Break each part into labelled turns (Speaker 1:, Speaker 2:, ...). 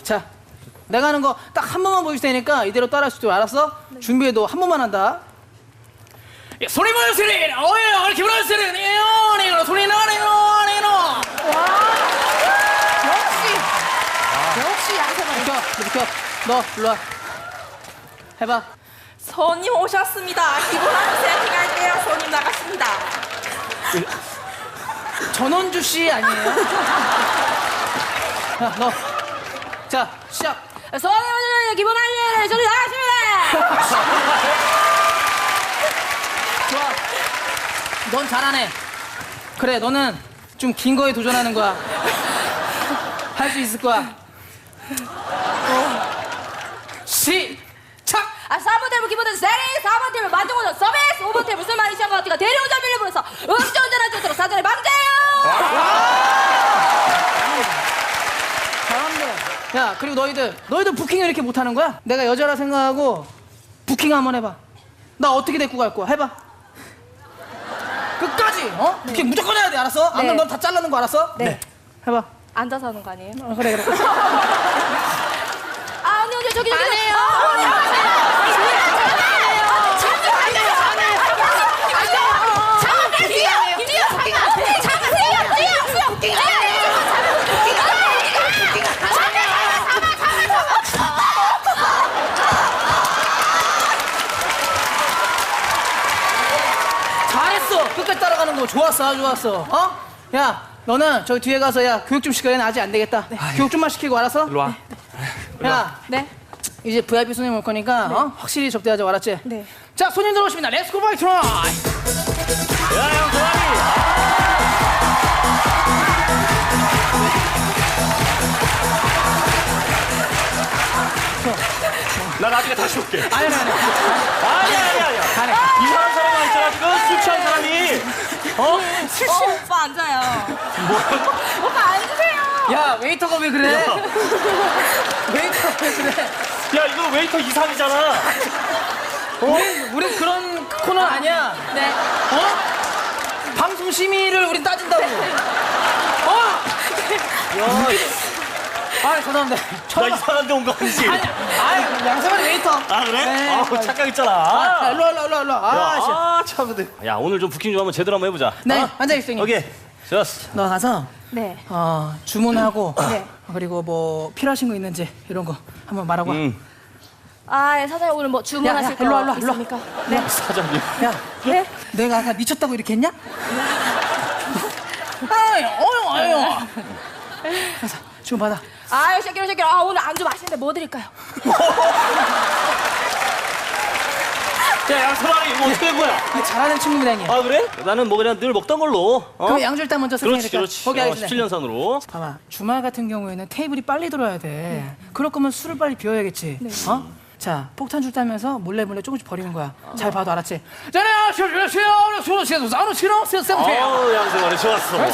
Speaker 1: 자, 내가 하는 거 딱 한 번만 보여줄 테니까 이대로 따라할 수 있도록 알았어? 네. 준비해도 한 번만 한다. 예, 소리 모여주세요. 어예, 기분 좋으세요. 네요, 소리 나네요. 와,
Speaker 2: 역시 양세만.
Speaker 1: 비켜. 너 일로 와. 해봐.
Speaker 2: 손님 오셨습니다. 기본한 세팅할게요. 손님 나갔습니다.
Speaker 1: 전원주 씨 아니에요? 야, 너. 자, 시작.
Speaker 2: 손님 오셨습니다. 기본한 손님 나갔습니다.
Speaker 1: 좋아. 넌 잘하네. 그래, 너는 좀 긴 거에 도전하는 거야. 할 수 있을 거야. 시작!
Speaker 2: 4번 테이블 기본은 세리, 4번 테이블 만족오전 서비스, 5번 테이블 술 많이 취한 것 같으니까 대리운전 밀려버려서 음주운전할 수 있도록 사전에 방제해요.
Speaker 1: 잘한다. 야, 그리고 너희들 부킹을 이렇게 못하는 거야? 내가 여자라 생각하고 부킹 한번 해봐. 나 어떻게 데리고 갈 거야? 해봐. 끝까지, 어?
Speaker 2: 네.
Speaker 1: 부킹 무조건 해야 돼, 알았어? 안 그러면 넌 다 잘라는 거 알았어?
Speaker 2: 네.
Speaker 1: 해봐.
Speaker 2: 앉아서 하는 거 아니에요?
Speaker 1: 그래.
Speaker 2: 아, 언니, 저기. 안 해요.
Speaker 1: 잘했어. 끝까지 따라가는 거 좋았어. 아주 좋았어. 어? 야, 너는 저기 뒤에 가서 야 교육 좀 시켜야 나 아직 안 되겠다. 교육 좀만 시키고 알았어?
Speaker 3: 일로 와.
Speaker 1: 야,
Speaker 2: 네.
Speaker 1: 이제 VIP 손님 올 거니까 어? 확실히 접대하자고 알았지?
Speaker 2: 네.
Speaker 1: 자, 손님들 오십니다. 렛츠고 바이 트라이.
Speaker 3: 야, 형, 도와리. 나 나중에 다시 올게.
Speaker 1: 아니.
Speaker 3: 아니야.
Speaker 1: 아니.
Speaker 3: 이상한 사람 와 있잖아, 지금. 술 취한 사람이.
Speaker 2: 오빠 앉아요. 오빠 앉으세요.
Speaker 1: 야, 웨이터가 왜 그래? 웨이터가 왜 그래?
Speaker 3: 야, 이거 웨이터 이상이잖아.
Speaker 1: 우린 그런 코너 아니야.
Speaker 2: 네.
Speaker 1: 어? 방송 심의를 우린 따진다고. 어?
Speaker 3: 야,
Speaker 1: 아, 죄송합니다.
Speaker 3: 나 이상한 데 온 거 아니지?
Speaker 1: 아니, 양세만이 웨이터.
Speaker 3: 아, 그래?
Speaker 1: 네.
Speaker 3: 아우, 착각 있잖아.
Speaker 1: 아, 일로 와.
Speaker 3: 아, 참, 근데. 야, 오늘 좀 부킹 좀 한번 제대로 한번 해보자.
Speaker 1: 네,
Speaker 3: 어?
Speaker 1: 앉아있어, 형님.
Speaker 3: 오케이. 좋았어.
Speaker 1: 너 가서
Speaker 2: 네.
Speaker 1: 주문하고
Speaker 2: 네.
Speaker 1: 그리고 뭐 필요하신 거 있는지 이런 거 한번 말하고 와.
Speaker 2: 아, 예, 사장님 오늘 뭐 주문하실
Speaker 1: 야,
Speaker 2: 거
Speaker 1: 일로 와.
Speaker 2: 있습니까? 네.
Speaker 3: 사장님.
Speaker 1: 야,
Speaker 2: 네.
Speaker 1: 내가 아까 미쳤다고 이렇게 했냐? 아유. 가서 주문 받아.
Speaker 2: 아유, 쉐키로. 아, 오늘 안주 맛있는데 뭐 드릴까요?
Speaker 3: 야, 양서방이 이거 어떻게 된 거야?
Speaker 1: 잘하는 친구입니다, 형님.
Speaker 3: 아, 그래? 나는 뭐 그냥 늘 먹던 걸로. 어?
Speaker 1: 그럼 양주 일단 먼저 설명해
Speaker 3: 그렇지.
Speaker 1: 드릴까요? 거기 하겠습니다.
Speaker 3: 17년산으로.
Speaker 1: 봐봐, 주말 같은 경우에는 테이블이 빨리 들어야 돼. 그럴 거면 술을 빨리 비워야겠지. 어? 자, 폭탄 줄 따면서 몰래 조금씩 버리는 거야. 잘 봐도 알았지?
Speaker 3: 아우, 양서방이 좋았어.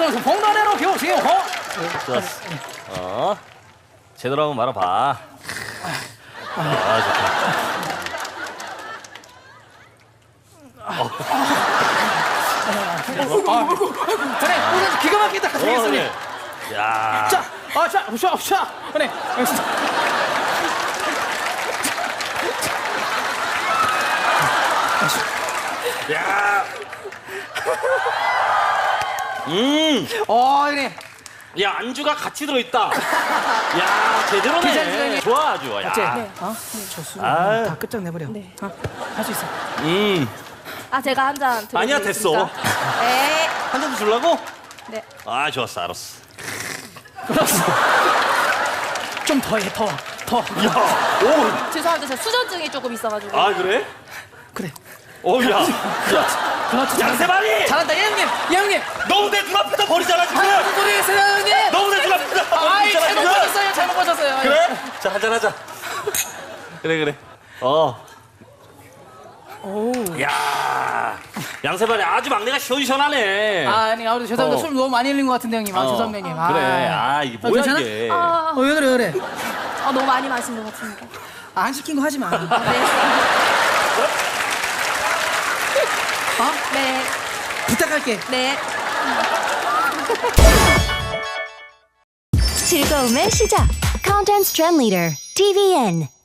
Speaker 3: 좋았어. 제대로 한번 말아봐. 아, 좋다.
Speaker 1: 그래, 기가 막히다. 가시겠으니.
Speaker 3: 그래. 야.
Speaker 1: 자, 그래.
Speaker 3: 야.
Speaker 1: 그래.
Speaker 3: 야, 안주가 같이 들어있다. 야, 제대로네.
Speaker 1: 괜찮지?
Speaker 3: 좋아, 아주. 야.
Speaker 1: 어째? 저 술을
Speaker 3: 아유.
Speaker 1: 다 끝장내버려.
Speaker 2: 네.
Speaker 1: 할 수 있어.
Speaker 2: 아, 제가 한 잔 드리겠습니다.
Speaker 3: 아니야, 됐어.
Speaker 2: 네.
Speaker 3: 한 잔 더 주려고?
Speaker 2: 네.
Speaker 3: 아, 좋았어, 알았어.
Speaker 1: 좀 더 해, 더.
Speaker 3: 야, 오.
Speaker 2: 죄송한데 제가 수전증이 조금 있어가지고.
Speaker 3: 아, 그래?
Speaker 1: 그래.
Speaker 3: 오, 야.
Speaker 1: 그렇지.
Speaker 3: 양세만이!
Speaker 1: 잘한다, 이 형님.
Speaker 3: 너무 내 눈앞에다 버리잖아, 지금!
Speaker 1: 무슨 소리 했어요, 형님?
Speaker 3: 너무 내 눈앞에다
Speaker 1: 아이,
Speaker 3: 버리잖아,
Speaker 1: 잘못 보셨어요.
Speaker 3: 그래? 자, 한잔하자. 그래.
Speaker 1: 오.
Speaker 3: 야, 양세만이 아주 막내가 시원시원하네.
Speaker 1: 아니, 죄송합니다.
Speaker 3: 어.
Speaker 1: 술 너무 많이 흘린 것 같은데, 형님. 죄송합니다, 형님.
Speaker 3: 그래. 이게 뭐야,
Speaker 1: 괜찮아?
Speaker 3: 이게.
Speaker 1: 왜 그래?
Speaker 2: 너무 많이 마신 것 같습니다.
Speaker 1: 안 시킨 거 하지 마.
Speaker 2: 네. 네.
Speaker 1: 부탁할게.
Speaker 2: 네.
Speaker 4: 즐거움의 시작. Contents Trend Leader, TVN.